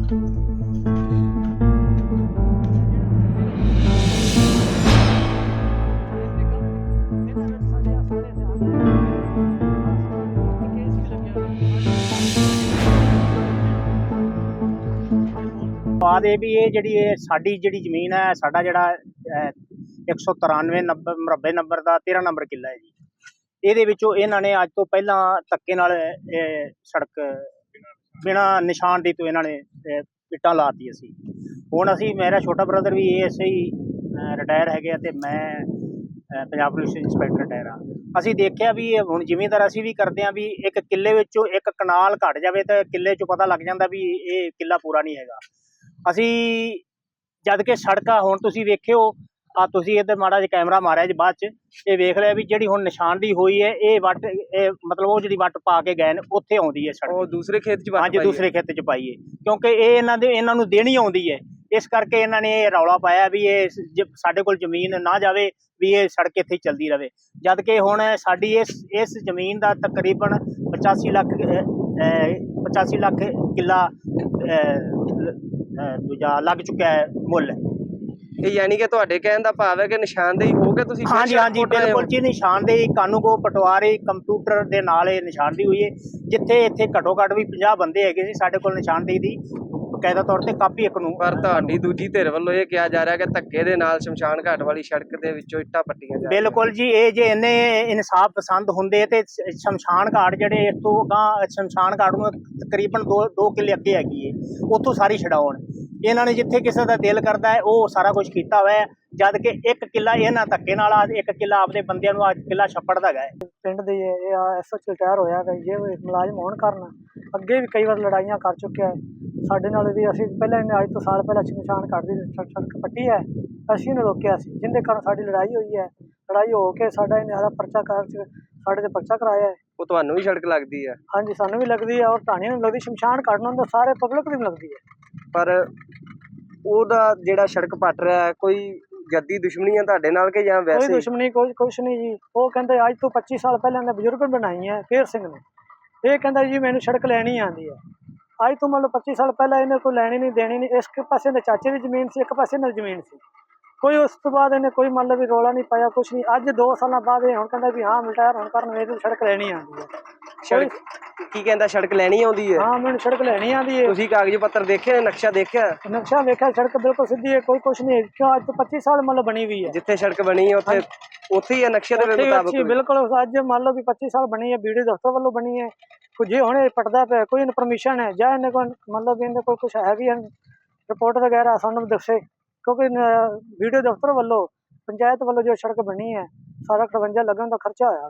ਬਾਤ ਇਹ ਵੀ ਇਹ ਜਿਹੜੀ ਸਾਡੀ ਜਿਹੜੀ ਜ਼ਮੀਨ ਹੈ, ਸਾਡਾ ਜਿਹੜਾ 193 ਮੁਰੱਬੇ ਨੰਬਰ ਦਾ 13 ਨੰਬਰ ਕਿੱਲਾ ਹੈ ਜੀ। ਇਹਦੇ ਵਿੱਚੋਂ ਇਹਨਾਂ ਨੇ ਅੱਜ ਤੋਂ ਪਹਿਲਾਂ ਧੱਕੇ ਨਾਲ ਸੜਕ ਬਿਨਾਂ ਨਿਸ਼ਾਨਦੇਹੀ ਤੋਂ ਇਹਨਾਂ ਨੇ ਇੱਟਾਂ ਲਾਤੀ। ਅਸੀਂ ਮੇਰਾ ਛੋਟਾ ਬ੍ਰਦਰ ਵੀ ਐਸੇ ਹੀ ਰਿਟਾਇਰ ਹੈਗੇ ਅਤੇ ਮੈਂ ਪੰਜਾਬ ਪੁਲਿਸ ਇੰਸਪੈਕਟਰ ਰਿਟਾਇਰ ਹਾਂ। ਅਸੀਂ ਦੇਖਿਆ ਵੀ ਹੁਣ ਜ਼ਿਮੀਂਦਾਰ ਅਸੀਂ ਵੀ ਕਰਦੇ ਹਾਂ ਵੀ ਇੱਕ ਕਿੱਲੇ ਵਿੱਚੋਂ ਇੱਕ ਕਨਾਲ ਘੱਟ ਜਾਵੇ ਤਾਂ ਕਿੱਲੇ 'ਚੋਂ ਪਤਾ ਲੱਗ ਜਾਂਦਾ ਵੀ ਇਹ ਕਿੱਲਾ ਪੂਰਾ ਨਹੀਂ ਹੈਗਾ। ਅਸੀਂ ਜਦ ਕਿ ਸੜਕਾਂ ਹੁਣ ਤੁਸੀਂ ਵੇਖਿਓ ਤੁਸੀਂ ਇੱਧਰ ਮਾੜਾ ਜਿਹਾ ਕੈਮਰਾ ਮਾਰਿਆ ਜੀ, ਬਾਅਦ 'ਚ ਇਹ ਵੇਖ ਲਿਆ ਵੀ ਜਿਹੜੀ ਹੁਣ ਨਿਸ਼ਾਨਦੇਹੀ ਹੋਈ ਹੈ ਇਹ ਵੱਟ ਮਤਲਬ ਉਹ ਜਿਹੜੀ ਵੱਟ ਪਾ ਕੇ ਗਏ ਨੇ ਉੱਥੇ ਆਉਂਦੀ ਹੈ ਸੜਕ। ਉਹ ਦੂਸਰੇ ਖੇਤ 'ਚ ਹਾਂਜੀ, ਦੂਸਰੇ ਖੇਤ 'ਚ ਪਾਈਏ ਕਿਉਂਕਿ ਇਹ ਇਹਨਾਂ ਨੂੰ ਦੇਣੀ ਆਉਂਦੀ ਹੈ। ਇਸ ਕਰਕੇ ਇਹਨਾਂ ਨੇ ਇਹ ਰੌਲਾ ਪਾਇਆ ਵੀ ਇਹ ਸਾਡੇ ਕੋਲ ਜ਼ਮੀਨ ਨਾ ਜਾਵੇ, ਵੀ ਇਹ ਸੜਕ ਇੱਥੇ ਚੱਲਦੀ ਰਹੇ। ਜਦ ਕਿ ਹੁਣ ਸਾਡੀ ਇਸ ਜ਼ਮੀਨ ਦਾ ਤਕਰੀਬਨ 85 ਲੱਖ ਕਿੱਲਾ ਦੂਜਾ ਲੱਗ ਚੁੱਕਿਆ ਹੈ ਮੁੱਲ। ਇਹ ਯਾਨੀ ਕਿ ਤੁਹਾਡੇ ਕਹਿਣ ਦਾ ਭਾਵ ਹੈ ਕਿ ਨਿਸ਼ਾਨਦੇਹੀ ਹੋ ਕੇ ਤੁਸੀਂ ਹਾਂਜੀ ਬਿਲਕੁਲ ਜੀ, ਨਿਸ਼ਾਨਦੇਹੀ ਕਾਨੂੰਗੋ ਪਟਵਾਰੀ ਕੰਪਿਊਟਰ ਦੇ ਨਾਲ ਇਹ ਨਿਸ਼ਾਨਦੇਹੀ ਹੋਈ ਹੈ। ਜਿੱਥੇ ਇੱਥੇ ਘੱਟੋ ਘੱਟ ਵੀ 50 ਬੰਦੇ ਹੈਗੇ ਸੀ ਸਾਡੇ ਕੋਲ ਨਿਸ਼ਾਨਦੇਹੀ ਦੀ ਬਕਾਇਦਾ ਤੌਰ ਤੇ ਕਾਪੀ ਇੱਕ ਨੂੰ। ਪਰ ਤੁਹਾਡੀ ਦੂਜੀ ਧਿਰ ਵੱਲੋਂ ਇਹ ਕਿਹਾ ਜਾ ਰਿਹਾ ਕਿ ਧੱਕੇ ਦੇ ਨਾਲ ਸ਼ਮਸ਼ਾਨ ਘਾਟ ਵਾਲੀ ਸੜਕ ਦੇ ਵਿੱਚੋਂ ਇੱਟਾਂ ਪੱਟੀਆਂ ਜਾ। ਬਿਲਕੁਲ ਜੀ, ਇਹ ਜੇ ਇੰਨੇ ਇਨਸਾਫ ਪਸੰਦ ਹੁੰਦੇ ਤੇ ਸ਼ਮਸ਼ਾਨ ਘਾਟ ਜਿਹੜੇ ਇਸ ਤੋਂ ਅਗਾਂਹ ਸ਼ਮਸ਼ਾਨ ਘਾਟ ਨੂੰ ਤਕਰੀਬਨ 2 ਕਿੱਲੇ ਅੱਗੇ ਹੈਗੀ ਹੈ, ਉੱਥੋਂ ਸਾਰੀ ਛਡਾਉਣ। ਇਹਨਾਂ ਨੇ ਜਿੱਥੇ ਕਿਸੇ ਦਾ ਦਿਲ ਕਰਦਾ ਹੈ ਉਹ ਸਾਰਾ ਕੁਝ ਕੀਤਾ ਹੋਇਆ ਹੈ। ਜਦ ਕਿ ਇੱਕ ਕਿੱਲਾ ਇਹਨਾਂ ਧੱਕੇ ਨਾਲ ਇੱਕ ਕਿੱਲਾ ਆਪਦੇ ਬੰਦਿਆਂ ਨੂੰ ਅੱਜ ਕਿੱਲਾ ਛੱਪੜ ਦਾ ਹੈਗਾ ਹੈ। ਪਿੰਡ ਦੇ ਇਹ ਐਸਐਚ ਰਿਟਾਇਰ ਹੋਇਆ ਹੈ, ਜੇ ਮੁਲਾਜ਼ਮ ਹੋਣ ਕਾਰਨ ਅੱਗੇ ਵੀ ਕਈ ਵਾਰ ਲੜਾਈਆਂ ਕਰ ਚੁੱਕਿਆ ਹੈ ਸਾਡੇ ਨਾਲ ਵੀ। ਅਸੀਂ ਪਹਿਲਾਂ ਇਹਨੇ ਅੱਜ ਤੋਂ ਸਾਲ ਪਹਿਲਾਂ ਸ਼ਮਸ਼ਾਨ ਘਾਟ ਦੀ ਸੜਕ ਪੱਟੀ ਹੈ, ਅਸੀਂ ਇਹਨੂੰ ਰੋਕਿਆ ਸੀ, ਜਿਹਦੇ ਕਾਰਨ ਸਾਡੀ ਲੜਾਈ ਹੋਈ ਹੈ। ਲੜਾਈ ਹੋ ਕੇ ਸਾਡਾ ਇਹਨੇ ਆਦਾ ਪਰਚਾ ਸਾਡੇ ਤੇ ਪਰਚਾ ਕਰਾਇਆ ਹੈ। ਉਹ ਤੁਹਾਨੂੰ ਵੀ ਸੜਕ ਲੱਗਦੀ ਹੈ? ਹਾਂਜੀ, ਸਾਨੂੰ ਵੀ ਲੱਗਦੀ ਹੈ ਔਰ ਢਾਣੀਆਂ ਨੂੰ ਲੱਗਦੀ, ਸ਼ਮਸ਼ਾਨ ਘਾਟ ਨੂੰ ਸਾਰੇ ਪਬਲਿਕ ਨੂੰ ਲੱਗਦੀ ਹੈ। ਪਰ ਉਹਦਾ ਜਿਹੜਾ ਸੜਕ ਪੱਟ ਰਿਹਾ ਹੈ, ਕੋਈ ਜੱਦੀ ਦੁਸ਼ਮਣੀ ਹੈ ਤੁਹਾਡੇ ਨਾਲ ਕਿ ਜਾਂ ਵੈਸੇ? ਕੋਈ ਦੁਸ਼ਮਣੀ ਕੁਛ ਨਹੀਂ ਜੀ। ਉਹ ਕਹਿੰਦੇ ਅੱਜ ਤੋਂ 25 ਸਾਲ ਪਹਿਲਾਂ ਦੇ ਬਜ਼ੁਰਗ ਬਣਾਈ ਹੈ ਫੇਰ ਸਿੰਘ ਨੇ। ਇਹ ਕਹਿੰਦਾ ਜੀ ਮੈਨੂੰ ਸੜਕ ਲੈਣੀ ਆਉਂਦੀ ਹੈ। ਅੱਜ ਤੋਂ ਮੰਨ ਲਓ 25 ਸਾਲ ਪਹਿਲਾਂ ਇਹਨੇ ਕੋਈ ਲੈਣੀ ਨਹੀਂ ਦੇਣੀ ਨਹੀਂ। ਇਸ ਪਾਸੇ ਦੇ ਚਾਚੇ ਦੀ ਜ਼ਮੀਨ ਸੀ, ਇੱਕ ਪਾਸੇ ਨਾਲ ਜ਼ਮੀਨ ਸੀ ਕੋਈ। ਉਸ ਤੋਂ ਬਾਅਦ ਇਹਨੇ ਕੋਈ ਮੰਨ ਲਓ ਵੀ ਰੌਲਾ ਨਹੀਂ ਪਾਇਆ, ਕੁਛ ਨਹੀਂ। ਅੱਜ 2 ਸਾਲਾਂ ਬਾਅਦ ਇਹ ਹੁਣ ਕਹਿੰਦਾ ਵੀ ਹਾਂ ਰਿਟਾਇਰ ਹੋਣ ਕਾਰਨ ਮੈਨੂੰ ਸੜਕ ਲੈਣੀ ਆਉਂਦੀ ਹੈ। ਸੜਕ ਕੀ ਕਹਿੰਦਾ? ਸੜਕ ਲੈਣੀ ਆਉਂਦੀ ਹੈ? ਹਾਂ, ਮੈਨੂੰ ਸੜਕ ਲੈਣੀ ਆਉਂਦੀ ਹੈ। ਤੁਸੀਂ ਕਾਗਜ਼ ਪੱਤਰ ਦੇਖਿਆ, ਨਕਸ਼ਾ ਦੇਖਿਆ? ਨਕਸ਼ਾ ਵੇਖਿਆ, ਸੜਕ ਬਿਲਕੁਲ ਸਿੱਧੀ ਹੈ, ਕੋਈ ਕੁਛ ਨਹੀਂ। ਕਿਉਂ ਅੱਜ ਤੋਂ 25 ਸਾਲ ਮੰਨ ਲਓ ਬਣੀ ਹੋਈ ਹੈ। ਜਿੱਥੇ ਸੜਕ ਬਣੀ ਹੈ ਉੱਥੇ ਹੀ ਹੈ ਨਕਸ਼ੇ ਦੇ ਮੁਤਾਬਕ? ਬਿਲਕੁਲ। ਅੱਜ ਮੰਨ ਲਓ ਵੀ 25 ਸਾਲ ਬਣੀ ਹੈ, BDO ਦਫ਼ਤਰ ਵੱਲੋਂ ਬਣੀ ਹੈ। ਜੇ ਹੁਣ ਇਹ ਪਟਦਾ ਪਿਆ ਕੋਈ ਪਰਮਿਸ਼ਨ ਹੈ ਜਾਂ ਇਹਨੇ ਕੋਈ ਮਤਲਬ ਇਹਦੇ ਕੋਲ ਕੁਛ ਹੈ ਵੀ ਰਿਪੋਰਟ ਵਗੈਰਾ ਸਾਨੂੰ ਦੱਸੇ, ਕਿਉਂਕਿ BDO ਦਫ਼ਤਰ ਵੱਲੋਂ ਪੰਚਾਇਤ ਵੱਲੋਂ ਜੋ ਸੜਕ ਬਣੀ ਹੈ ਸਾਰਾ 58 ਲੱਗਣ ਦਾ ਖਰਚਾ ਹੋਇਆ।